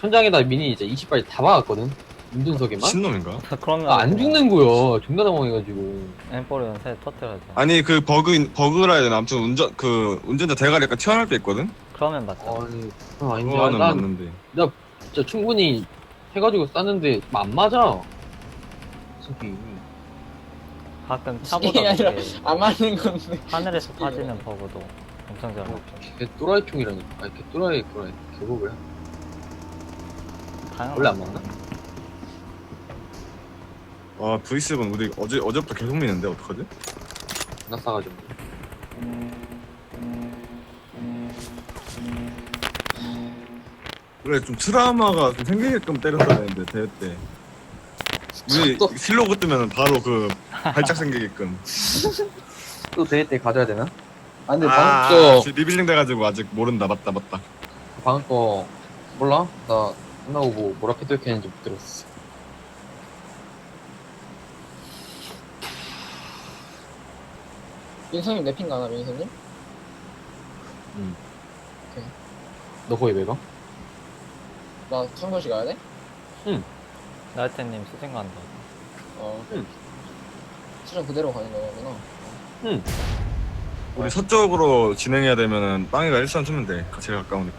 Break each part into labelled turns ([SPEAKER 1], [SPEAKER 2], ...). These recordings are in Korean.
[SPEAKER 1] 천장에다 미니 이제 20발 다 박았거든. 운전석에만.
[SPEAKER 2] 신놈인가?
[SPEAKER 3] 그러면
[SPEAKER 1] 안 죽는 거야. 존나 당황해가지고.
[SPEAKER 3] 엠포를 연쇄 터뜨려야죠.
[SPEAKER 2] 아니 그 버그라 해야 되나? 아무튼 운전자 대가리 약간 튀어나올 때 있거든?
[SPEAKER 3] 그러면 맞죠.
[SPEAKER 1] 아니, 그건 아닌데.
[SPEAKER 2] 그거는
[SPEAKER 1] 난
[SPEAKER 2] 맞는데.
[SPEAKER 1] 진짜 충분히 해가지고 쌌는데 안 맞아. 솔직히.
[SPEAKER 3] 가끔
[SPEAKER 4] 이게
[SPEAKER 3] 차보다
[SPEAKER 4] 아니라
[SPEAKER 3] 그게
[SPEAKER 4] 안 맞는 건데.
[SPEAKER 3] 하늘에서 빠지는 버그도 엄청 잘 맞죠.
[SPEAKER 1] 걔 또라이 총이라니까. 아니, 걔 또라이 개버그야.
[SPEAKER 3] 당연히
[SPEAKER 1] 원래 안 맞나?
[SPEAKER 2] 와 V7 우리 어제부터 계속 미는데 어떡하지?
[SPEAKER 1] 나 싸가지고.
[SPEAKER 2] 그래 좀 트라우마가 좀 생기게끔 때렸어야 되는데 대회 때 우리
[SPEAKER 1] 또-
[SPEAKER 2] 슬로그 뜨면 바로 그 발작 생기게끔
[SPEAKER 1] 또 대회 때 가져야 되나? 아, 근데
[SPEAKER 2] 지금 리빌링 돼가지고 아직 모른다. 맞다
[SPEAKER 1] 방금 거 몰라? 나 끝나고 뭐 뭐라 캐릭터 했는지 못 들었어.
[SPEAKER 4] 민성님 랩핑 가나 민성님?
[SPEAKER 1] 너 거기 왜 가?
[SPEAKER 4] 나 청도시 가야 돼?
[SPEAKER 3] 나이트님 수진 간다.
[SPEAKER 4] 응. 수정 그대로 가는 거구나.
[SPEAKER 2] 우리 서쪽으로 진행해야 되면은 빵이가 일산 쓰면 돼. 제일 가까우니까.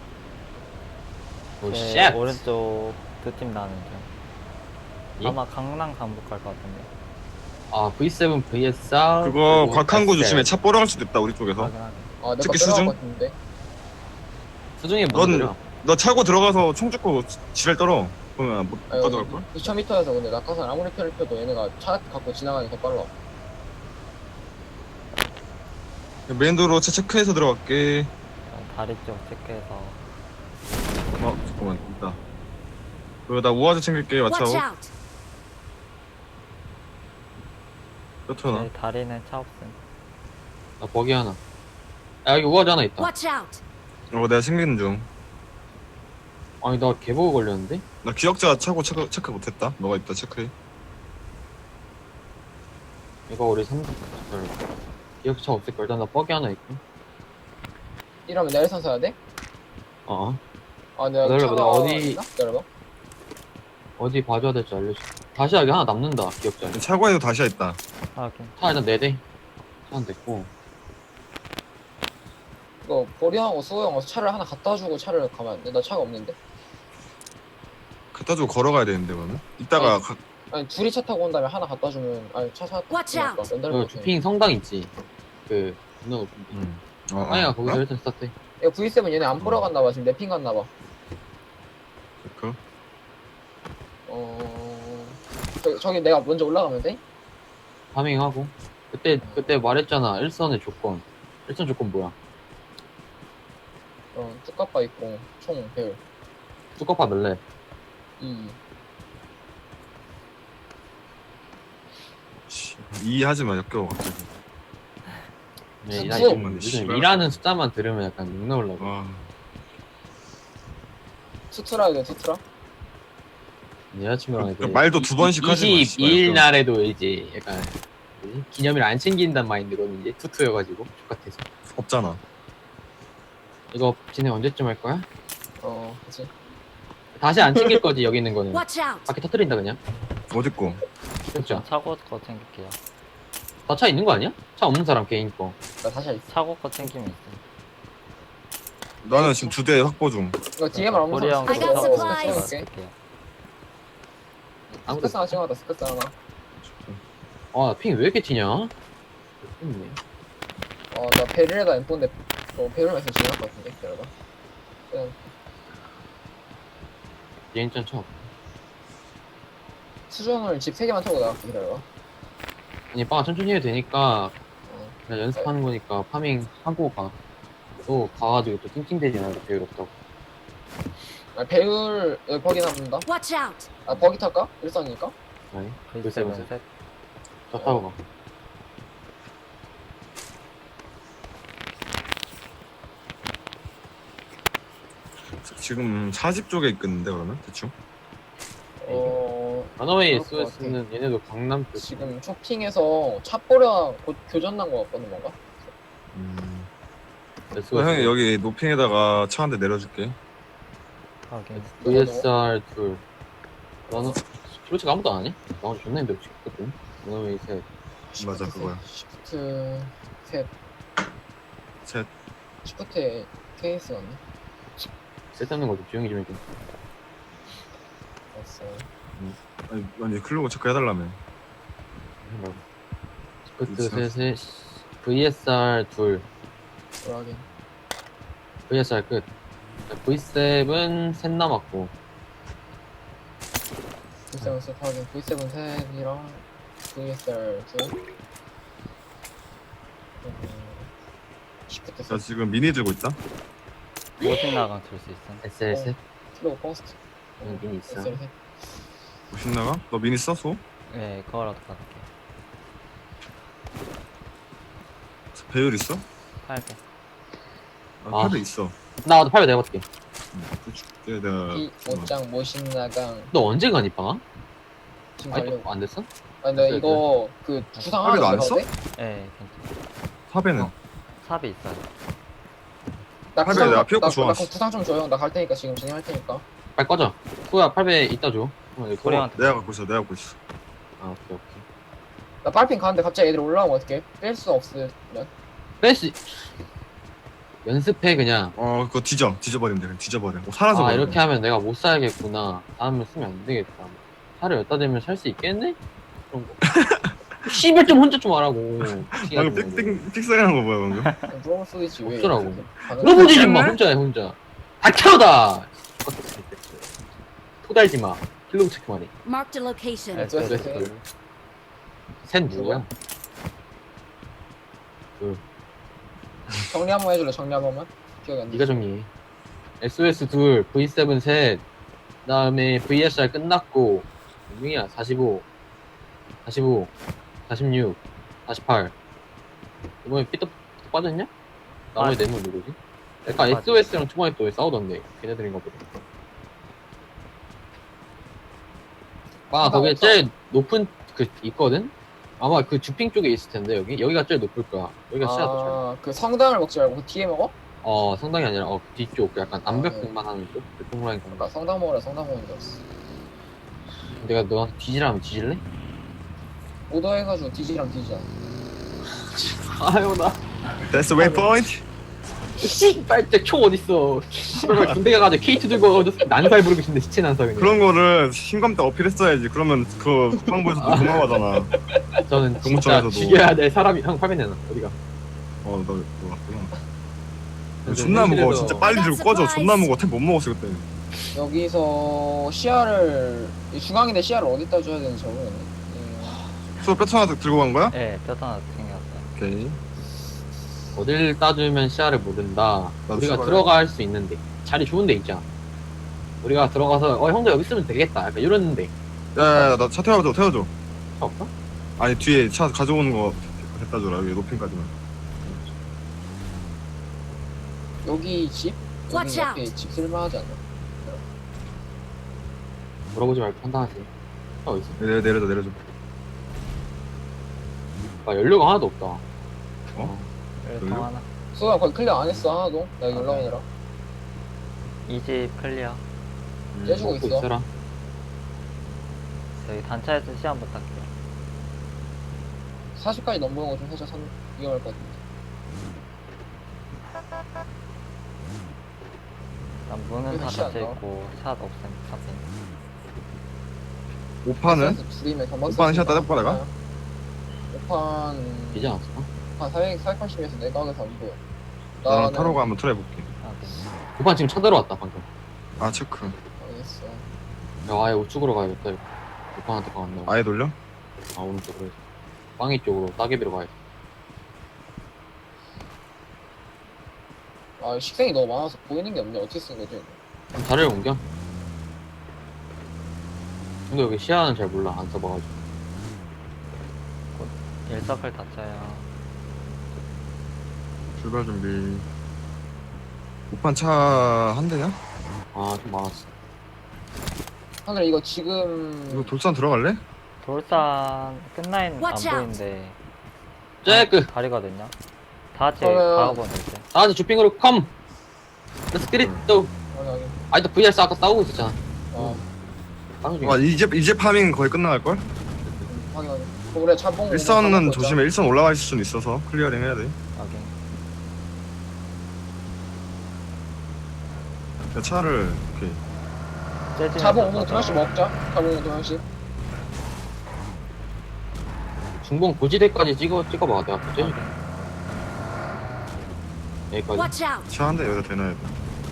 [SPEAKER 1] 오
[SPEAKER 3] 네,
[SPEAKER 1] 쉣.
[SPEAKER 3] 오른쪽 두 팀 나는 중.
[SPEAKER 1] 예?
[SPEAKER 3] 아마 강남 강북 갈 것 같은데.
[SPEAKER 1] 아 V7 VSR
[SPEAKER 2] 그거 곽한구 조심해. 차 뽀려갈 수도 있다 우리 쪽에서.
[SPEAKER 3] 확인하게.
[SPEAKER 4] 아, 내거
[SPEAKER 2] 특히
[SPEAKER 4] 빼라고
[SPEAKER 2] 수중?
[SPEAKER 4] 같은데.
[SPEAKER 1] 수중에
[SPEAKER 2] 넌-
[SPEAKER 1] 뭔
[SPEAKER 2] 너 차고 들어가서 총 찍고 지랄 떨어. 그러면 못 가져갈 걸?
[SPEAKER 4] 2,000m에서 근데 낙하산 아무리 펴를 펴도 얘네가 차 갖고 지나가는 게 더 빨라.
[SPEAKER 2] 메인도로 차 체크해서 들어갈게.
[SPEAKER 3] 다리 쪽 체크해서.
[SPEAKER 2] 잠깐만 있다. 그리고 나 우아즈 챙길게.
[SPEAKER 5] Watch
[SPEAKER 2] 마차오.
[SPEAKER 5] out!
[SPEAKER 2] 뼈트나.
[SPEAKER 3] 네, 다리는 차 없음.
[SPEAKER 1] 나 버기 하나. 야 여기 우아지 하나 있다.
[SPEAKER 5] Watch out!
[SPEAKER 2] 내가 챙기는 중.
[SPEAKER 1] 아니 나 개버그 걸렸는데?
[SPEAKER 2] 나 기억자 차고 체크 못했다. 너가 있다 체크해.
[SPEAKER 1] 이거 우리 3등 기억차 없을걸. 일단 나 버기 하나 있고.
[SPEAKER 4] 이러면 내 일산 사야 돼?
[SPEAKER 1] 어.
[SPEAKER 4] 아, 내가
[SPEAKER 1] 기다려봐,
[SPEAKER 4] 차가
[SPEAKER 1] 나 어디-
[SPEAKER 4] 있나? 기다려봐.
[SPEAKER 1] 어디 봐줘야 될지 알려줘. 다시 하기 하나 남는다 기억자.
[SPEAKER 2] 차고에도 다시야 있다.
[SPEAKER 3] 확인.
[SPEAKER 1] 차 일단 4대. 차는 됐고.
[SPEAKER 4] 이거 보리하고 수호형 와서 차를 하나 갖다 주고 차를 가면 안 돼? 나 차가 없는데?
[SPEAKER 2] 갖다 주고 걸어가야 되는데 그러면. 이따가
[SPEAKER 4] 아니 둘이 차 타고 온 다음에 하나 갖다 주면 아니 차
[SPEAKER 5] Watch out.
[SPEAKER 4] 렌탈
[SPEAKER 1] 그
[SPEAKER 4] 거
[SPEAKER 1] 주핑 성당 있지. 그 너. 아니야 거기서 일단 스타트.
[SPEAKER 4] 이거 V7 얘네 안 보러 갔나 봐. 지금 랩핑 갔나 봐.
[SPEAKER 2] 그
[SPEAKER 4] 저기 내가 먼저 올라가면 돼?
[SPEAKER 1] 파밍하고. 그때 말했잖아. 일선의 조건. 일선 조건 뭐야?
[SPEAKER 4] 쭈까빠 있고 총 배율
[SPEAKER 1] 뚜꺼파 넣래.
[SPEAKER 4] 2.
[SPEAKER 2] 이해하지 마 역겨워 갑자기.
[SPEAKER 1] 네, 나
[SPEAKER 4] 수업.
[SPEAKER 1] 요즘
[SPEAKER 2] 씨발.
[SPEAKER 1] 일하는 숫자만 들으면 약간 욕 나오려고.
[SPEAKER 2] 와.
[SPEAKER 4] 투트라 해야 돼 투트라?
[SPEAKER 1] 내 여자친구랑 이제
[SPEAKER 2] 말도 두 번씩 하지 마, 씨발.
[SPEAKER 1] 22일 날에도 이제 약간 뭐지? 기념일 안 챙긴단 마인드로는 이제 투투여가지고 똑같아서.
[SPEAKER 2] 없잖아.
[SPEAKER 1] 이거 진행 언제쯤 할 거야?
[SPEAKER 4] 그치.
[SPEAKER 1] 다시 안 챙길 거지 여기 있는 거는.
[SPEAKER 5] Watch out!
[SPEAKER 1] 밖에 터뜨린다 그냥.
[SPEAKER 2] 어디 거?
[SPEAKER 1] 진짜.
[SPEAKER 3] 차고 거 챙길게요.
[SPEAKER 1] 다 차 있는 거 아니야? 차 없는 사람 개인 거.
[SPEAKER 4] 나 다시 있어.
[SPEAKER 3] 차고 거 챙기면 있어.
[SPEAKER 2] 나는 지금 2대 확보 중.
[SPEAKER 4] 이거 DMR 없는
[SPEAKER 3] 우리 형
[SPEAKER 5] I got
[SPEAKER 3] 차고
[SPEAKER 5] supplies.
[SPEAKER 3] 챙길게요.
[SPEAKER 1] 아무도.
[SPEAKER 4] 스크스 하나 찍어놨다 스크스 하나.
[SPEAKER 1] 핑 왜 이렇게 튀냐? 네
[SPEAKER 4] 나 베를에다 엠폰데 베를에서 지나갈 것 같은데 기다려봐. 그냥
[SPEAKER 1] 비행전 쳐.
[SPEAKER 4] 수정을 집 3개만 타고 나갈게 기다려봐.
[SPEAKER 1] 아니 빵 천천히 해도 되니까
[SPEAKER 4] 어.
[SPEAKER 1] 그냥 연습하는 거니까 파밍 하고 가. 또 가가지고 또 찡찡대지 말고 배울 없다고.
[SPEAKER 4] 배율 여기 버기 남는다.
[SPEAKER 5] Watch out!
[SPEAKER 4] 버기 탈까? 일산이니까?
[SPEAKER 1] 아니
[SPEAKER 3] 글쎄
[SPEAKER 1] 글쎄.
[SPEAKER 3] 셋.
[SPEAKER 1] 차 타고 가.
[SPEAKER 2] 지금 사집 쪽에 있겠는데 그러면 대충.
[SPEAKER 1] 러너웨이
[SPEAKER 4] 그럴 것
[SPEAKER 1] SOS는 얘네도 강남 쪽.
[SPEAKER 4] 지금 쇼핑에서 차뽀랑 곧 교전 난 거 같거든 뭔가?
[SPEAKER 1] SOS.
[SPEAKER 2] 형이 여기 노핑에다가 차 한 대 내려줄게.
[SPEAKER 3] 확인.
[SPEAKER 1] VSR 둘. 나는 솔직히 아무도 안 하냐? 나 혼자 존나 힘들어 죽겠거든. 너는 셋.
[SPEAKER 2] 맞아, 그거야.
[SPEAKER 4] 시프트 셋.
[SPEAKER 2] 셋.
[SPEAKER 4] 시프트에 케이스 같네.
[SPEAKER 1] 쓸데없는 거좀 조용히 좀 해줘.
[SPEAKER 4] 됐어.
[SPEAKER 2] 아니 클로고 체크 해달라며.
[SPEAKER 1] 스프트
[SPEAKER 2] 있어.
[SPEAKER 1] 셋에 VSR 둘.
[SPEAKER 4] 돌아가긴.
[SPEAKER 1] VSR 끝. V7 셋 남았고.
[SPEAKER 4] V7 셋 확인. V7 셋이랑 VSR 둘. 시프트
[SPEAKER 2] 나
[SPEAKER 4] 셋.
[SPEAKER 2] 지금 미니 들고 있다.
[SPEAKER 3] 모진 나강 줄 수 있음.
[SPEAKER 1] SL 셋.
[SPEAKER 4] 킬로그 퍼스트.
[SPEAKER 1] 여긴 있어.
[SPEAKER 4] SL 셋.
[SPEAKER 2] 뭐 신나가? 너 미니 써서?
[SPEAKER 3] 네, 그거라도 받을게.
[SPEAKER 2] 배율 있어?
[SPEAKER 3] 800.
[SPEAKER 2] 아,
[SPEAKER 1] 아.
[SPEAKER 2] 카드 있어.
[SPEAKER 1] 나도 800 내볼게.
[SPEAKER 2] 내가
[SPEAKER 4] 이 옷장 모신나강
[SPEAKER 1] 너 언제 가니 방아?
[SPEAKER 4] 지금
[SPEAKER 1] 아니
[SPEAKER 4] 가려고.
[SPEAKER 1] 안 됐어?
[SPEAKER 4] 아 근데
[SPEAKER 1] 됐어,
[SPEAKER 4] 이거 그 구상 하나
[SPEAKER 2] 하루에도 안
[SPEAKER 4] 가도
[SPEAKER 2] 써?
[SPEAKER 4] 돼?
[SPEAKER 3] 네, 괜찮아.
[SPEAKER 2] 탑에는
[SPEAKER 1] 어.
[SPEAKER 3] 삽이 있어요.
[SPEAKER 4] 나
[SPEAKER 2] 하루에
[SPEAKER 4] 구상
[SPEAKER 2] 내가 피었고
[SPEAKER 4] 나
[SPEAKER 2] 좋았어.
[SPEAKER 4] 그럼 구상 좀 줘요. 나 갈 테니까 지금 진행할 테니까.
[SPEAKER 1] 빨리 꺼져. 후야 800 이따 줘. 여기
[SPEAKER 3] 소리한테.
[SPEAKER 2] 내가 갖고 있어. 내가 갖고 있어.
[SPEAKER 1] 아 오케이 오케이.
[SPEAKER 4] 나 빨핑 가는데 갑자기 애들 올라오면 어떡해? 뺄 수 없으면.
[SPEAKER 1] 빼시. 연습해 그냥.
[SPEAKER 2] 그거 뒤져버리면 돼. 그냥 뒤져버려. 살아서
[SPEAKER 1] 아
[SPEAKER 2] 버려.
[SPEAKER 1] 이렇게 하면 내가 못 살겠구나. 다음에 쓰면 안 되겠다. 차를 여기다 대면 살 수 있겠네? 그런 거. 씨발 좀 혼자 좀 하라고.
[SPEAKER 2] 방금 삑사리한 거 뭐야 방금?
[SPEAKER 4] 물어볼 수도 있지 왜?
[SPEAKER 1] 없더라고.
[SPEAKER 4] 이렇게 반응을
[SPEAKER 1] 물어보지 좀 마.
[SPEAKER 2] 뺐네?
[SPEAKER 1] 혼자 해 혼자. 다 켜다. 토달지 마. 킬로그 체크만 해.
[SPEAKER 5] Marked a location.
[SPEAKER 3] 네.
[SPEAKER 4] 됐어, 됐어.
[SPEAKER 1] 셋 누구야?
[SPEAKER 4] 정리 한 번 해줄래? 정리 한 번만. 기억이 안 나.
[SPEAKER 1] 네가 정리해. SOS 둘, V7 셋, 그다음에 VSR 끝났고 몇명이야? 45, 45, 46, 48. 이번에 삐뚤 빠졌냐? 나머지 네명 누구지? 약간
[SPEAKER 3] 맞아.
[SPEAKER 1] SOS랑 초반에 또 싸우던데 걔네들인가 보다. 아 거기에
[SPEAKER 4] 없어.
[SPEAKER 1] 제일 높은 그 있거든? 아마 그 주핑 쪽에 있을 텐데 여기가 제일 높을 거야. 여기가 시야 더 잘.
[SPEAKER 4] 그 성당을 먹지 말고 그 뒤에 먹어?
[SPEAKER 1] 성당이 아니라 뒤쪽 그 약간
[SPEAKER 4] 아,
[SPEAKER 1] 암벽등만 하는 쪽? 그 동그라미 건.
[SPEAKER 4] 나 성당 먹으라 성당 먹는 줄 알았어.
[SPEAKER 1] 내가 너한테 뒤지라면 뒤질래?
[SPEAKER 4] 오더해가지고 뒤지랑 뒤지자.
[SPEAKER 1] 아유 나
[SPEAKER 2] That's the way point.
[SPEAKER 1] 씨발 총 어딨어. 씨발 군대 가가지고 K2 들고 와가지고 난살 부르고 싶은데 시체 난살 그냥.
[SPEAKER 2] 그런 거를 신검 때 어필했어야지. 그러면 그 국방부에서 도망가잖아.
[SPEAKER 1] 저는 진짜
[SPEAKER 2] 공무청에서도.
[SPEAKER 1] 죽여야 될 사람이 형 화면 내놔 어디가.
[SPEAKER 2] 너 왔구나.
[SPEAKER 1] 근데
[SPEAKER 2] 존나 무거워.
[SPEAKER 1] 현실에서-
[SPEAKER 2] 진짜 빨리 들고 꺼져. 존나 무거워. 템 못 먹었어 그때.
[SPEAKER 4] 여기서 시야를 이 중앙인데 시야를 어디다 줘야 되는지 잘 모르겠네.
[SPEAKER 2] 수업 뼈 하나 들고 간 거야?
[SPEAKER 3] 네, 뼈 하나 챙겼어요.
[SPEAKER 2] 오케이.
[SPEAKER 1] 어딜 따주면 시야를 모른다.
[SPEAKER 2] 나도
[SPEAKER 1] 우리가
[SPEAKER 2] 시야를-
[SPEAKER 1] 들어갈 수 있는데 자리 좋은 데 있잖아. 우리가 들어가서 형도 여기 있으면 되겠다. 약간 이러는데
[SPEAKER 2] 야야야 나 차 태워줘.
[SPEAKER 1] 차 없어?
[SPEAKER 2] 아니 뒤에 차 가져오는 거 갖다 줘라. 여기 높임까지만.
[SPEAKER 4] 여기 집? 여기
[SPEAKER 5] Watch
[SPEAKER 4] 옆에 집 쓸만하지 않나?
[SPEAKER 1] 물어보지 말고 판단하세요. 차 어디 있어?
[SPEAKER 2] 내려줘.
[SPEAKER 1] 아 연료가 하나도 없다.
[SPEAKER 3] 열통
[SPEAKER 2] 그래요?
[SPEAKER 3] 하나.
[SPEAKER 4] 수호야 거기 클리어 안 했어 하나도? 나 여기
[SPEAKER 3] 아,
[SPEAKER 4] 올라오느라.
[SPEAKER 3] 이 집 클리어.
[SPEAKER 4] 떼주고
[SPEAKER 1] 먹고
[SPEAKER 4] 있어.
[SPEAKER 1] 있어라.
[SPEAKER 3] 저희 단차에서 시험 부탁해요.
[SPEAKER 4] 40까지 넘보는 거 좀 살짝 위험할 것 같은데.
[SPEAKER 3] 일단 문은 다
[SPEAKER 4] 여기 시야
[SPEAKER 3] 닫혀
[SPEAKER 4] 안 나와?
[SPEAKER 3] 있고 샷 없음. 삽인.
[SPEAKER 2] 5판은?
[SPEAKER 4] 둘이면 경박.
[SPEAKER 2] 오빠는 시야 따져볼까, 내가?
[SPEAKER 4] 5판
[SPEAKER 1] 이제 않았어?
[SPEAKER 4] 한 480에서 내각에서 안 보여.
[SPEAKER 2] 나랑 타로가 한번 트라이볼게.
[SPEAKER 3] 삽인.
[SPEAKER 1] 오빠 지금 차 들어왔다 방금.
[SPEAKER 2] 아 체크.
[SPEAKER 4] 알겠어.
[SPEAKER 1] 야 아예 우측으로 가야겠다. 이거. 오빠한테 가왔나?
[SPEAKER 2] 아예 돌려?
[SPEAKER 1] 아 오른쪽으로 해서. 빵이 쪽으로 따개비로 가야지.
[SPEAKER 4] 아 식생이 너무 많아서 보이는 게 없네. 어떻게 쓴 거지? 이거?
[SPEAKER 1] 그럼 자리를 옮겨? 근데 여기 시야는 잘 몰라. 안 써봐가지고.
[SPEAKER 3] 일서클 닫혀요.
[SPEAKER 2] 출발 준비. 5판 차 한 대냐?
[SPEAKER 1] 아 좀 많았어.
[SPEAKER 4] 하늘 이거 지금
[SPEAKER 2] 이거 돌산 들어갈래?
[SPEAKER 3] 돌산 끝라인 안
[SPEAKER 5] Watch out.
[SPEAKER 3] 보이는데
[SPEAKER 1] 잭크!
[SPEAKER 3] 다리거든요. 다 같이
[SPEAKER 4] 그러면-
[SPEAKER 3] 박아보면 되지.
[SPEAKER 1] 나한테 주핑으로 컴! Let's get it! 또!
[SPEAKER 4] 확인.
[SPEAKER 1] 아직도 VRS 아까 싸우고 있었잖아.
[SPEAKER 4] 어,
[SPEAKER 1] 싸우는 중이야.
[SPEAKER 2] 와 이제 파밍 거의 끝나갈걸?
[SPEAKER 4] 확인. 그럼 우리 차봉.
[SPEAKER 2] 일선은 조심해. 일선 올라가 있을 수는 있어서 클리어링 해야 돼.
[SPEAKER 3] 확인.
[SPEAKER 2] 야, 차를 오케이.
[SPEAKER 3] 재즈면서
[SPEAKER 4] 차봉 5분 두
[SPEAKER 3] 가자.
[SPEAKER 4] 명씩 먹자. 차봉 5분 두 명씩.
[SPEAKER 1] 중봉 고지대까지 찍어봐. 내가 또 째줄게. 여기까지.
[SPEAKER 5] Watch out!
[SPEAKER 2] 차 한 대 여기다 대놔야 돼.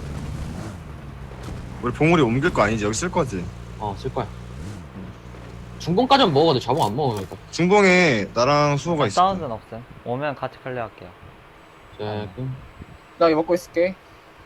[SPEAKER 2] 우리 봉우리 옮길 거 아니지? 여기 쓸 거지?
[SPEAKER 1] 쓸 거야. 중봉까지는 먹어도 자봉 안 먹으니까.
[SPEAKER 2] 중봉에 나랑 수호가 있어.
[SPEAKER 3] 사운드는 없음. 오면 같이 클리어할게요.
[SPEAKER 1] 조금.
[SPEAKER 4] 나 여기 먹고 있을게.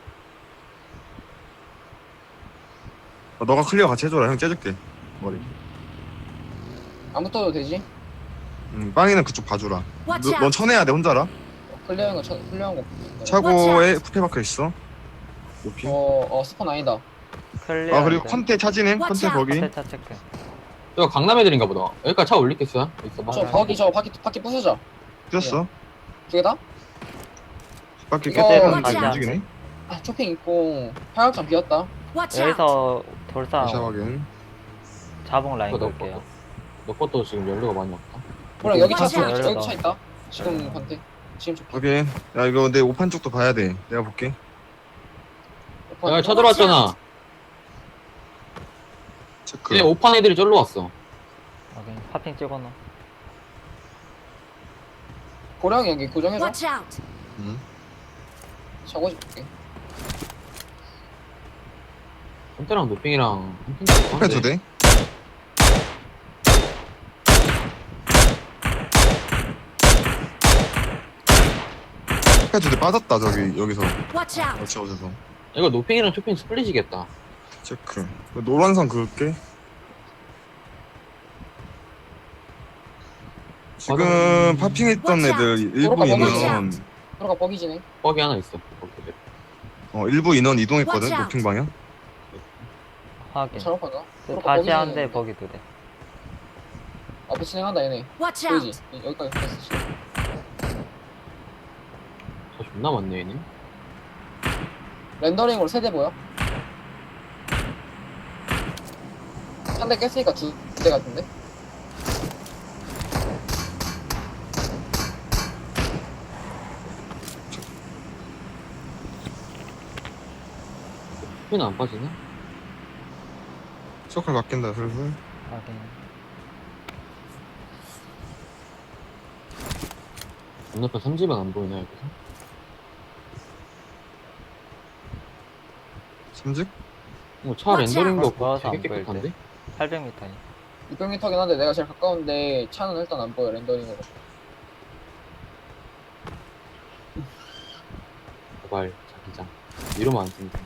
[SPEAKER 2] 너가 클리어 같이 해줘라. 형 째줄게. 머리.
[SPEAKER 4] 안 붙어도 되지?
[SPEAKER 2] 빵이는 그쪽 봐주라.
[SPEAKER 5] Watch
[SPEAKER 2] 넌
[SPEAKER 5] out!
[SPEAKER 2] 쳐내야 돼 혼자라.
[SPEAKER 4] 클리어한 거 클리어한 거.
[SPEAKER 2] 차고에 쿠페 박혀 있어. 높이.
[SPEAKER 4] 스폰 아니다.
[SPEAKER 3] 클리어.
[SPEAKER 2] 아 그리고 컨테 차지네.
[SPEAKER 5] Watch
[SPEAKER 2] 컨테
[SPEAKER 5] out.
[SPEAKER 2] 거기.
[SPEAKER 3] 컨테 차 체크.
[SPEAKER 1] 이거 강남 애들인가 보다. 여기까지 차 올리겠어요? 있어봐.
[SPEAKER 4] 저 바퀴 바퀴 부수자.
[SPEAKER 2] 뛰었어.
[SPEAKER 4] 두 개다?
[SPEAKER 2] 바퀴
[SPEAKER 4] 이거
[SPEAKER 2] 깨끗한
[SPEAKER 5] watch
[SPEAKER 2] 게
[SPEAKER 5] out.
[SPEAKER 2] 움직이네.
[SPEAKER 4] 아, 쇼핑 있고 화약장 비었다.
[SPEAKER 5] Watch out!
[SPEAKER 3] 여기서 돌상
[SPEAKER 2] 다시 확인.
[SPEAKER 3] 자봉 라인
[SPEAKER 1] 너
[SPEAKER 3] 볼게요.
[SPEAKER 1] 것도 지금 연료가 많이 없다.
[SPEAKER 4] 그럼 여기
[SPEAKER 5] Watch out.
[SPEAKER 4] 여기 차 있다. 지금 컨테. 지금 쇼핑.
[SPEAKER 2] 확인. 야 이거 내 오판 쪽도 봐야 돼. 내가 볼게.
[SPEAKER 1] 야, 쳐들어왔잖아.
[SPEAKER 2] 체크.
[SPEAKER 1] 얘네 오판 애들이 절로 왔어.
[SPEAKER 3] 확인. 파핑 찍어놓어.
[SPEAKER 4] 고량이 여기 고정해줘.
[SPEAKER 5] Watch out!
[SPEAKER 2] 응.
[SPEAKER 4] 차고 줄게.
[SPEAKER 1] 컨테랑 노핑이랑
[SPEAKER 2] 쿠페 두 대. 쿠페 두 대 빠졌다 저기 여기서.
[SPEAKER 5] Watch out!
[SPEAKER 2] 어찌 어디서.
[SPEAKER 1] 이거 노핑이랑 쇼핑 스플릿이겠다.
[SPEAKER 2] 체크. 그 노란선 그을게. 지금 파핑했던
[SPEAKER 5] Watch
[SPEAKER 2] 애들
[SPEAKER 5] out.
[SPEAKER 2] 일부
[SPEAKER 4] Watch
[SPEAKER 2] 인원
[SPEAKER 4] 들어가 뻑이지네.
[SPEAKER 1] 뻑이 하나 있어. 거기.
[SPEAKER 2] 일부 인원 이동했거든.
[SPEAKER 5] Watch out.
[SPEAKER 2] 노핑 방향.
[SPEAKER 3] 확인.
[SPEAKER 4] 잘못하다.
[SPEAKER 3] 다시 한대 버기 두 대.
[SPEAKER 4] 앞에 진행한다 얘네.
[SPEAKER 5] Watch
[SPEAKER 4] 보이지?
[SPEAKER 5] out!
[SPEAKER 4] 여기까지 갔어 지금.
[SPEAKER 1] 저 존나 많네 얘네.
[SPEAKER 4] 렌더링으로 세대 보여? 한 대 깼으니까 두 대 같은데?
[SPEAKER 1] 쇼핑은 안 빠지네?
[SPEAKER 2] 서클 바뀐다 슬슬.
[SPEAKER 3] 확인.
[SPEAKER 1] 건너편 3집은 안 보이나 여기서?
[SPEAKER 2] 삼직?
[SPEAKER 1] 차
[SPEAKER 5] Watch
[SPEAKER 1] 렌더링도
[SPEAKER 3] out. 모아서
[SPEAKER 1] 되게
[SPEAKER 3] 안 보일
[SPEAKER 1] 깨끗한데?
[SPEAKER 3] 800m니.
[SPEAKER 4] 600m긴 한데 내가 제일 가까운데 차는 일단 안 보여 렌더링으로.
[SPEAKER 1] 제발 자기장 이러면 안 됩니다.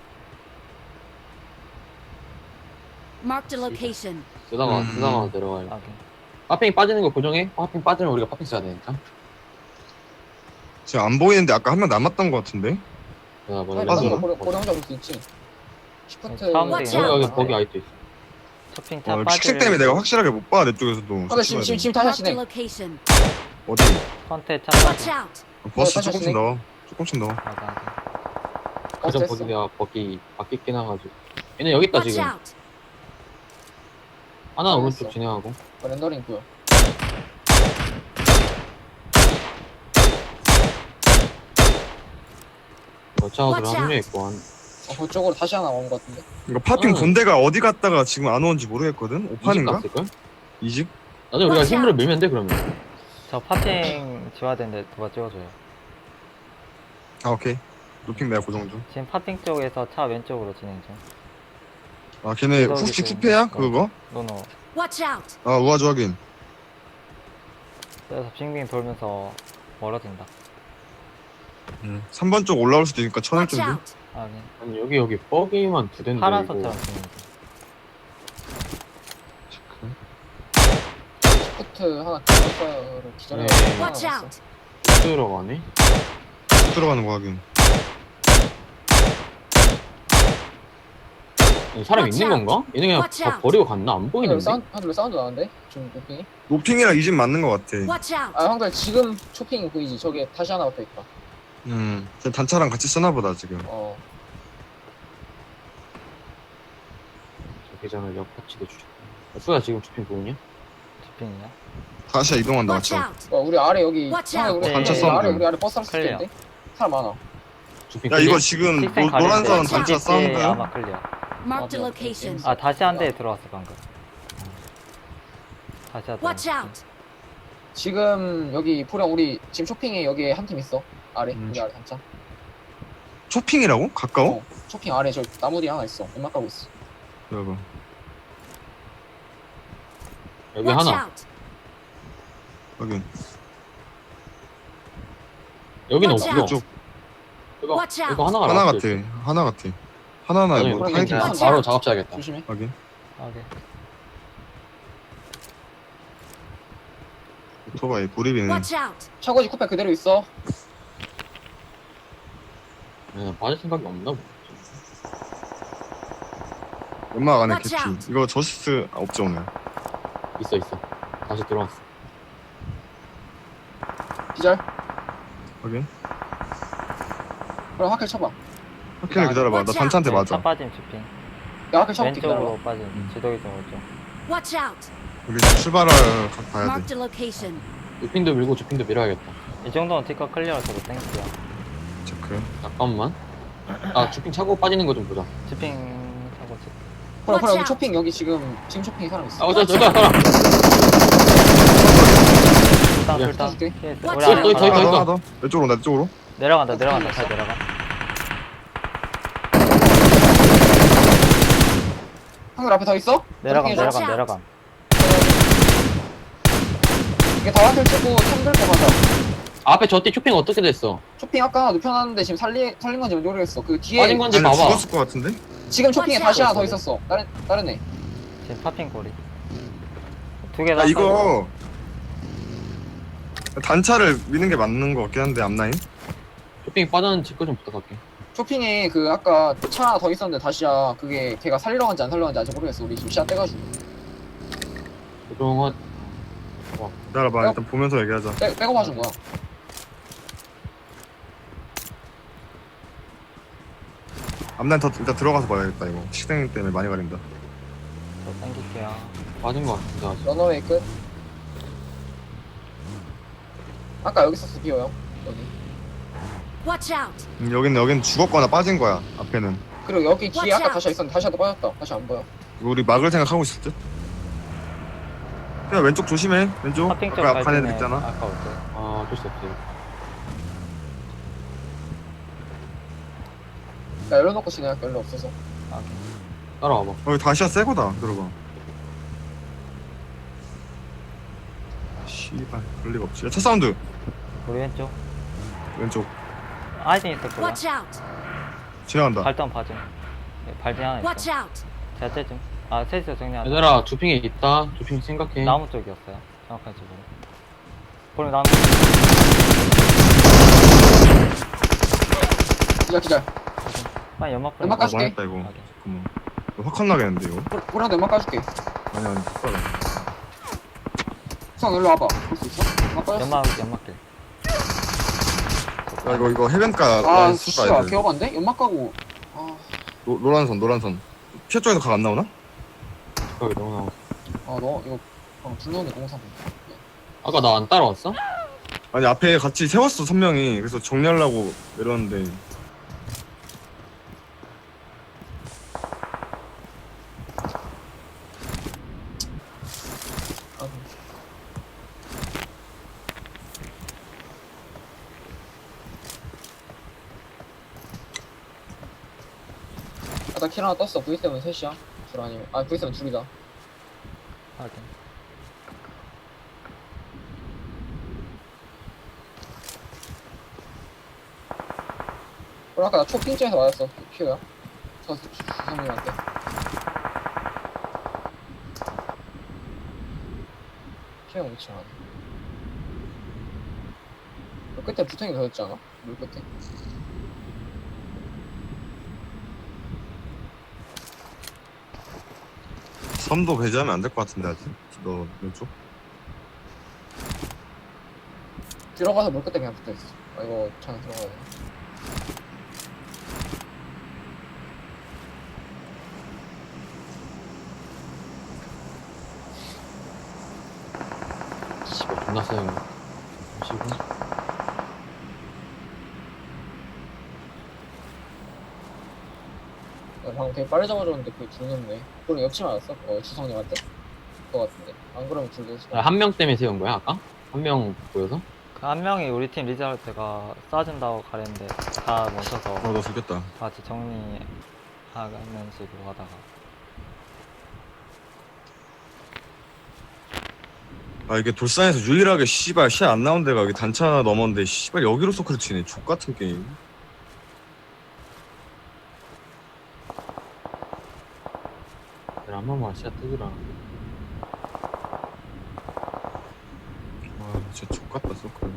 [SPEAKER 5] Marked a location.
[SPEAKER 1] 쓰다가 내려가요.
[SPEAKER 3] 확인.
[SPEAKER 1] 파핑이 빠지는 거 고정해? 파핑 빠지면 우리가 파핑 써야 되니까.
[SPEAKER 2] 지금 안 보이는데 아까 한 명 남았던 것 같은데?
[SPEAKER 1] 내가 먼저
[SPEAKER 2] 빠져.
[SPEAKER 1] 렌더링.
[SPEAKER 4] 고래 혼자 볼 수 있지. 시프트.
[SPEAKER 3] 사운드
[SPEAKER 5] Watch
[SPEAKER 1] 여기
[SPEAKER 5] out.
[SPEAKER 1] 여기 거기 아직도 있어.
[SPEAKER 3] 쇼핑 차 빠질.
[SPEAKER 2] 픽색 때문에 내가 확실하게 못 봐. 내 쪽에서도.
[SPEAKER 4] 근데 지금 다시
[SPEAKER 5] Marked a
[SPEAKER 4] 하시네.
[SPEAKER 5] location.
[SPEAKER 2] 어디?
[SPEAKER 3] 컨테 차
[SPEAKER 5] Watch
[SPEAKER 3] 빠질.
[SPEAKER 5] out!
[SPEAKER 2] 버스
[SPEAKER 4] 다시
[SPEAKER 2] 조금씩
[SPEAKER 4] 하시네.
[SPEAKER 2] 넣어. 조금씩 넣어.
[SPEAKER 3] 확인. 확인.
[SPEAKER 1] 그전 거기 내가 버기 바퀴 끼나가지고. 얘네 여기 있다
[SPEAKER 5] Watch
[SPEAKER 1] 지금.
[SPEAKER 5] out!
[SPEAKER 1] 하나
[SPEAKER 4] 알았어.
[SPEAKER 1] 오른쪽 진행하고.
[SPEAKER 4] 렌더링 보여.
[SPEAKER 1] 여차하고
[SPEAKER 5] Watch
[SPEAKER 1] 한명
[SPEAKER 5] out.
[SPEAKER 1] 있고 한.
[SPEAKER 4] 그쪽으로 다시 하나 온 것 같은데.
[SPEAKER 2] 이거 파핑
[SPEAKER 1] 응.
[SPEAKER 2] 본대가 어디 갔다가 지금 안 오는지 모르겠거든?
[SPEAKER 1] 이집
[SPEAKER 2] 5판인가?
[SPEAKER 1] 갔을걸?
[SPEAKER 2] 이집?
[SPEAKER 1] 나중에 우리가
[SPEAKER 5] Watch
[SPEAKER 1] 힘으로
[SPEAKER 5] out.
[SPEAKER 1] 밀면 돼 그러면.
[SPEAKER 3] 저 파핑 지워야 되는데 누가 찍어줘요.
[SPEAKER 2] 아 오케이. 노핑 내가 고정 중.
[SPEAKER 3] 지금 파핑 쪽에서 차 왼쪽으로 진행 중.
[SPEAKER 2] 아 걔네
[SPEAKER 3] 저기
[SPEAKER 2] 혹시
[SPEAKER 3] 지금-
[SPEAKER 2] 쿠페야?
[SPEAKER 3] 어.
[SPEAKER 2] 그거?
[SPEAKER 3] 노노.
[SPEAKER 5] Watch out!
[SPEAKER 2] 아 우아주 확인.
[SPEAKER 3] 그래서 빙빙 돌면서 멀어진다.
[SPEAKER 2] 3번 쪽 올라올 수도 있으니까 쳐낼
[SPEAKER 5] Watch
[SPEAKER 2] 준비.
[SPEAKER 5] out!
[SPEAKER 3] 확인.
[SPEAKER 1] 아니 여기 버기만 두 대인데
[SPEAKER 3] 파란색처럼 진행 중.
[SPEAKER 4] 시프트 하나 기절거를 기절해.
[SPEAKER 1] 네.
[SPEAKER 5] Watch out!
[SPEAKER 1] 이거 들어가네?
[SPEAKER 2] 쭉 들어가는 거 확인.
[SPEAKER 1] 사람
[SPEAKER 5] Watch
[SPEAKER 1] 있는
[SPEAKER 5] out.
[SPEAKER 1] 건가? 얘네 그냥
[SPEAKER 5] Watch
[SPEAKER 1] 다
[SPEAKER 5] out.
[SPEAKER 1] 버리고 갔나? 안 보이는데?
[SPEAKER 4] 하늘로 사운드 나는데? 지금 쇼핑이?
[SPEAKER 2] 노핑이랑 이 집 맞는 거 같아.
[SPEAKER 5] Watch out!
[SPEAKER 4] 아 형들 지금 쇼핑 보이지? 저게 다시 하나 붙어 있다.
[SPEAKER 2] 단차랑 같이 쓰나 보다 지금.
[SPEAKER 1] 대장을 역파치도 주셨고. 수야 지금 주핑 보이냐?
[SPEAKER 3] 주핑이야?
[SPEAKER 2] 다시 이동한다
[SPEAKER 5] Watch
[SPEAKER 2] 맞죠?
[SPEAKER 5] out!
[SPEAKER 4] 우리 아래 여기
[SPEAKER 5] Watch
[SPEAKER 4] 상에
[SPEAKER 5] out.
[SPEAKER 4] 우리
[SPEAKER 2] 단차
[SPEAKER 4] 우리
[SPEAKER 2] 사운드.
[SPEAKER 4] 아래 우리 아래 버스 할수
[SPEAKER 3] 클리어.
[SPEAKER 4] 있겠는데? 사람 많아.
[SPEAKER 1] 주핑
[SPEAKER 2] 야
[SPEAKER 1] 클리어?
[SPEAKER 2] 이거 지금
[SPEAKER 3] 식생
[SPEAKER 2] 노란 선
[SPEAKER 3] 가리는데
[SPEAKER 2] 단차
[SPEAKER 3] GG
[SPEAKER 2] 싸운다.
[SPEAKER 3] 아마 클리어.
[SPEAKER 5] Marked a
[SPEAKER 4] 맞아.
[SPEAKER 5] location.
[SPEAKER 3] 아 다시 한 대 들어왔어 방금. 다시 하자.
[SPEAKER 5] Watch out!
[SPEAKER 4] 지금 여기 보령 우리 지금 쇼핑에 여기에 한 팀 있어. 아래 우리 아래 단차.
[SPEAKER 2] 쇼핑이라고? 가까워?
[SPEAKER 4] 어, 쇼핑 아래 저 나무 뒤에 하나 있어. 연막 가고 있어.
[SPEAKER 2] 여러분
[SPEAKER 1] 여기
[SPEAKER 5] Watch
[SPEAKER 1] 하나.
[SPEAKER 5] out!
[SPEAKER 2] 여기
[SPEAKER 1] 여기는
[SPEAKER 5] Watch
[SPEAKER 1] 없어.
[SPEAKER 5] out.
[SPEAKER 2] 이쪽
[SPEAKER 1] 이거
[SPEAKER 5] Watch out.
[SPEAKER 1] 이거 하나가
[SPEAKER 2] 하나
[SPEAKER 1] 나왔어,
[SPEAKER 2] 같아.
[SPEAKER 1] 지금.
[SPEAKER 2] 하나 같아. 하나나
[SPEAKER 1] 나중에
[SPEAKER 2] 뭐
[SPEAKER 4] 그러면
[SPEAKER 2] 타이틀.
[SPEAKER 4] 그냥
[SPEAKER 5] Watch
[SPEAKER 1] 바로
[SPEAKER 5] out.
[SPEAKER 1] 작업자야겠다.
[SPEAKER 4] 조심해.
[SPEAKER 2] 확인.
[SPEAKER 3] 오케이.
[SPEAKER 2] 오토바이 구리비는
[SPEAKER 5] Watch out!
[SPEAKER 4] 차고지 쿠페 그대로 있어.
[SPEAKER 1] 빠질 생각이 없나 보네.
[SPEAKER 2] 연막 안에
[SPEAKER 5] Watch
[SPEAKER 2] 개피.
[SPEAKER 5] out.
[SPEAKER 2] 이거 저스트 없죠 오늘.
[SPEAKER 1] 있어 있어. 다시 들어왔어.
[SPEAKER 4] 기절.
[SPEAKER 2] 확인.
[SPEAKER 4] 그럼 하킬 쳐봐.
[SPEAKER 2] 확인을 기다려봐. 나
[SPEAKER 5] Watch
[SPEAKER 2] 단차한테
[SPEAKER 3] 차
[SPEAKER 2] 맞아.
[SPEAKER 3] 빠짐 주핑.
[SPEAKER 4] 야 하킬 쳐볼게
[SPEAKER 3] 왼쪽으로
[SPEAKER 4] 기다려봐.
[SPEAKER 3] 빠짐. 지도기 쪽으로 좀.
[SPEAKER 5] Watch out!
[SPEAKER 2] 여기 출발을 가야 돼.
[SPEAKER 5] Marked a location.
[SPEAKER 1] 주핑도 밀고 주핑도 밀어야겠다.
[SPEAKER 3] 이 정도는 티커 클리어로 저도 땡큐야.
[SPEAKER 2] 체크.
[SPEAKER 1] 잠깐만. 아 주핑 차고 빠지는 거 좀 보자.
[SPEAKER 3] 주핑 하고 지
[SPEAKER 4] 보령
[SPEAKER 5] Watch
[SPEAKER 4] 여기
[SPEAKER 5] out.
[SPEAKER 4] 쇼핑 여기 지금 쇼핑에 사람 있어.
[SPEAKER 1] 아 저기 사람.
[SPEAKER 3] 술당
[SPEAKER 1] 야,
[SPEAKER 3] 술당.
[SPEAKER 4] 줄게.
[SPEAKER 3] 피했어.
[SPEAKER 5] Watch
[SPEAKER 3] 우리
[SPEAKER 5] out.
[SPEAKER 3] 안에
[SPEAKER 1] 더 있어,
[SPEAKER 3] 하나
[SPEAKER 1] 더 있어.
[SPEAKER 2] 하나 더. 내 쪽으로 나 쪽으로.
[SPEAKER 3] 내려간다 내려간다 잘 내려가.
[SPEAKER 4] 한글 앞에 더 있어?
[SPEAKER 3] 내려감
[SPEAKER 4] 쇼핑에
[SPEAKER 5] Watch
[SPEAKER 3] 내려감
[SPEAKER 5] out.
[SPEAKER 3] 내려감.
[SPEAKER 4] 이게 다 하킬 치고 템 들고 가자.
[SPEAKER 1] 앞에 저때 쇼핑 어떻게 됐어?
[SPEAKER 4] 쇼핑 아까 눕혀놨는데 지금 살린 건지 모르겠어. 그 뒤에
[SPEAKER 1] 빠진 건지
[SPEAKER 2] 아니
[SPEAKER 1] 봐봐.
[SPEAKER 2] 죽었을 것 같은데?
[SPEAKER 4] 지금 쇼핑에
[SPEAKER 5] Watch
[SPEAKER 4] 다시
[SPEAKER 5] out.
[SPEAKER 4] 하나 더 있었어. 다른 애.
[SPEAKER 3] 지금 파핑 고리. 두개
[SPEAKER 2] 야
[SPEAKER 3] 다.
[SPEAKER 2] 이거 단차를 미는 게 맞는 것 같긴 한데 앞라인.
[SPEAKER 1] 쇼핑이 빠졌는지 체크 좀 부탁할게.
[SPEAKER 4] 쇼핑에 그 아까 차 하나 더 있었는데 다시야 그게 걔가 살리러 간지 안 살리러 간지 아직 모르겠어. 우리 지금 시야 떼가지고
[SPEAKER 1] 그동안
[SPEAKER 2] 기다려봐. 일단 보면서 얘기하자.
[SPEAKER 4] 빼고 봐준 거야.
[SPEAKER 2] 앞라인 더 일단 들어가서 봐야겠다 이거. 식생 때문에 많이 가린다.
[SPEAKER 3] 저 땡길게요.
[SPEAKER 1] 빠진 거 같은데 아직.
[SPEAKER 4] 러너웨이 끝. 아까 여기 있었어 비오 형. 여기.
[SPEAKER 5] Watch out!
[SPEAKER 2] 여긴 죽었거나 빠진 거야. 앞에는.
[SPEAKER 4] 그리고 여기 뒤에
[SPEAKER 5] Watch
[SPEAKER 4] 아까
[SPEAKER 5] out.
[SPEAKER 4] 다시야 있었는데 다시야도 빠졌다. 다시 안 보여.
[SPEAKER 2] 우리 막을 생각하고 있을 듯. 야 왼쪽 조심해. 왼쪽.
[SPEAKER 3] 파핑 쪽
[SPEAKER 2] 아까
[SPEAKER 3] 갈
[SPEAKER 2] 간 애들
[SPEAKER 3] 때는
[SPEAKER 2] 있잖아.
[SPEAKER 3] 아까 올 때.
[SPEAKER 1] 아 어쩔 수 없어.
[SPEAKER 4] 나 열어놓고 진행할게. 열로 없어서.
[SPEAKER 1] 따라와봐.
[SPEAKER 2] 여기 다시야 새거다. 들어봐. 씨발 그럴 리가 없지. 야, 차 사운드.
[SPEAKER 3] 우리 왼쪽.
[SPEAKER 2] 왼쪽
[SPEAKER 3] 아이딘 있을 거야.
[SPEAKER 5] Watch out!
[SPEAKER 2] 지나간다.
[SPEAKER 3] 발전 봐줘. 발진 하나
[SPEAKER 5] Watch
[SPEAKER 3] 있어.
[SPEAKER 5] out!
[SPEAKER 3] 제가 쟤 좀. 아 셋이서 정리하자.
[SPEAKER 1] 얘들아 주핑에 있다. 주핑 생각해.
[SPEAKER 3] 나무 쪽이었어요. 정확한 쪽으로. 보면 나무.
[SPEAKER 4] 기절.
[SPEAKER 3] 빨리 연막 뿌려.
[SPEAKER 4] 연막
[SPEAKER 2] 아
[SPEAKER 4] 까줄게.
[SPEAKER 2] 망했다 이거. 잠깐만. 이거 확 컷나겠는데 이거?
[SPEAKER 4] 보라도 연막 까줄게.
[SPEAKER 2] 아니 못 가라.
[SPEAKER 4] 수상 일로 와봐. 볼 수 있어? 연막 까졌어.
[SPEAKER 3] 연막길.
[SPEAKER 2] 야 이거 해변가
[SPEAKER 4] 아
[SPEAKER 2] 라인 수가
[SPEAKER 4] 씨발
[SPEAKER 2] 애들.
[SPEAKER 4] 개업한데? 연막 까고. 아,
[SPEAKER 2] 노란선. 피해 쪽에서 각 안 나오나?
[SPEAKER 1] 거기 너무 나와.
[SPEAKER 4] 너 이거 불 넣는데 공사.
[SPEAKER 1] 아까 나 안 따라왔어?
[SPEAKER 2] 아니 앞에 같이 세웠어 선명히. 그래서 정리하려고 내렸는데
[SPEAKER 4] 나 킬 하나 떴어. V7 셋이야. 둘 아니면 V7 둘이다.
[SPEAKER 3] 확인.
[SPEAKER 4] 그럼 아까 나 초핑점에서 맞았어. 피오야. 저 주성님한테. 피오 위치 하나. 그 끝에 부탱이 더 있지 않아? 물 끝에.
[SPEAKER 2] 섬도 배제하면 안 될 것 같은데 아직. 너 왼쪽?
[SPEAKER 4] 들어가서 물 끝에 그냥 붙어 있어. 이거 장 들어가야 돼.
[SPEAKER 1] 존나 세요. 보시고.
[SPEAKER 4] 나 방금 되게 빨리 잡아줬는데 그게 죽는데. 그럼 옆치 맞았어? 주성님한테? 그거 같은데. 안 그러면 둘도
[SPEAKER 1] 한 명 때문에 세운 거야, 아까? 한 명 보여서?
[SPEAKER 3] 그 한 명이 우리 팀 리드할 때가 쏴준다고 가랬는데 다 멈춰서
[SPEAKER 2] 나 죽겠다.
[SPEAKER 3] 같이 정리하는 식으로 하다가
[SPEAKER 2] 아 이게 돌산에서 유일하게 씨발 시 안 나온 데가 여기 단차 하나 넘었는데 씨발 여기로 서클 치네. 족 같은 게임.
[SPEAKER 1] 그래, 한 번만 시야 뜨더라.
[SPEAKER 2] 와 진짜 족 같다 서클.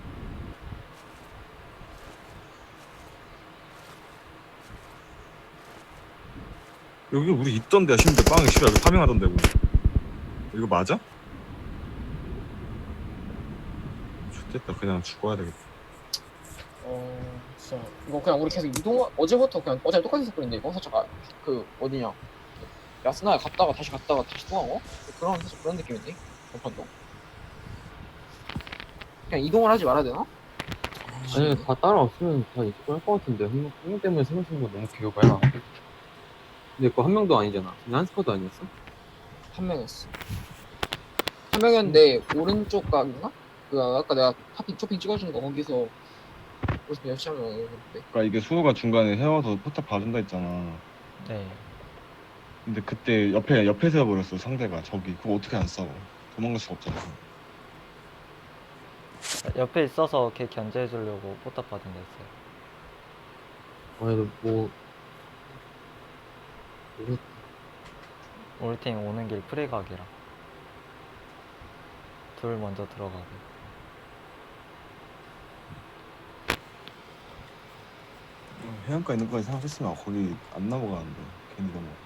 [SPEAKER 2] 여기 우리 있던 데야 심지어 빵이 씨발 여기 파밍하던 데고. 이거 맞아? 좋겠다. 그냥 죽어야 되겠다.
[SPEAKER 4] 진짜. 이거 그냥 우리 계속 어제부터 그냥 어제 똑같이 했었거든요. 이거 살짝 어디냐. 야스나에 갔다가 다시 통하고? 그런, 사실 그런 느낌인데? 전판도. 그냥 이동을 하지 말아야 되나?
[SPEAKER 1] 아니, 다 따라왔으면 다 이길 것 같은데. 한 명 때문에 세명 쓴 거 너무 개요봐요. 근데 그거 한 명도 아니잖아. 그냥 한 스쿼드 아니었어?
[SPEAKER 4] 한 명이었어. 한 명이었는데, 오른쪽 각인가? 아까 내가 쇼핑 찍어준 거 거기서 무슨 열심히 하면 오는데.
[SPEAKER 6] 그러니까 이게 수호가 중간에 헤어서 포탑 봐준다 했잖아.
[SPEAKER 3] 네.
[SPEAKER 6] 근데 그때 옆에 세워버렸어 상대가. 저기 그거 어떻게 안 싸워? 도망갈 수가 없잖아.
[SPEAKER 3] 옆에 있어서 걔 견제해주려고 포탑 받은 데 있어요.
[SPEAKER 1] 아니, 뭐. 모르겠다.
[SPEAKER 3] 우리 팀 오는 길 프레각이라 둘 먼저 들어가고
[SPEAKER 6] 해안가 있는 거까지 생각했으면 거기 안 넘어가는데 괜히 넘어.